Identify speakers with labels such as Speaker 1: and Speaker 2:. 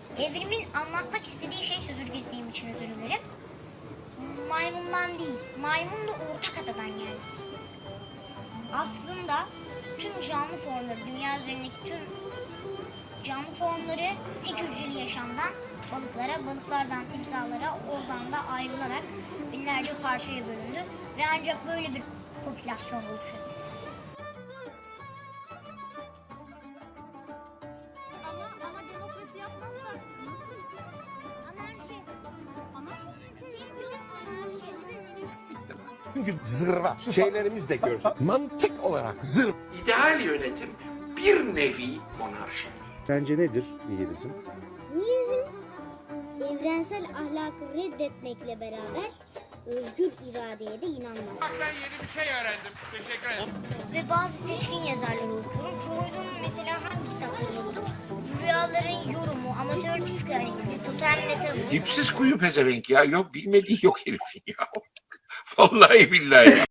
Speaker 1: Evrimin anlatmak istediği şey, sözünü kestiğim için özür dilerim. Maymundan değil, maymunla ortak atadan geldik. Aslında tüm canlı formları, dünya üzerindeki tüm canlı formları tek hücreli yaşamdan balıklara, balıklardan timsahlara, oradan da ayrılarak binlerce parçaya bölündü ve ancak böyle bir popülasyon oluştu.
Speaker 2: Ama demokrasi yapmazsak anarşi.
Speaker 3: Çünkü zırva şeylerimiz de görsün. Mantık olarak zırva.
Speaker 4: İdeal yönetim bir nevi monarşi.
Speaker 5: Sence nedir nihilizm?
Speaker 6: Nihilizm, evrensel ahlakı reddetmekle beraber özgür iradeye de inanmaz.
Speaker 4: Ben yeni bir şey öğrendim. Teşekkür ederim.
Speaker 1: Ve bazı seçkin yazarları okuyorum. Freud'un mesela hangi kitaplarını okudum? Rüyaların yorumu, amatör psikanalizi, totem ve tabu.
Speaker 4: Dipsiz kuyu pezevenk ya. Yok bilmediği yok herifin ya. Vallahi billahi.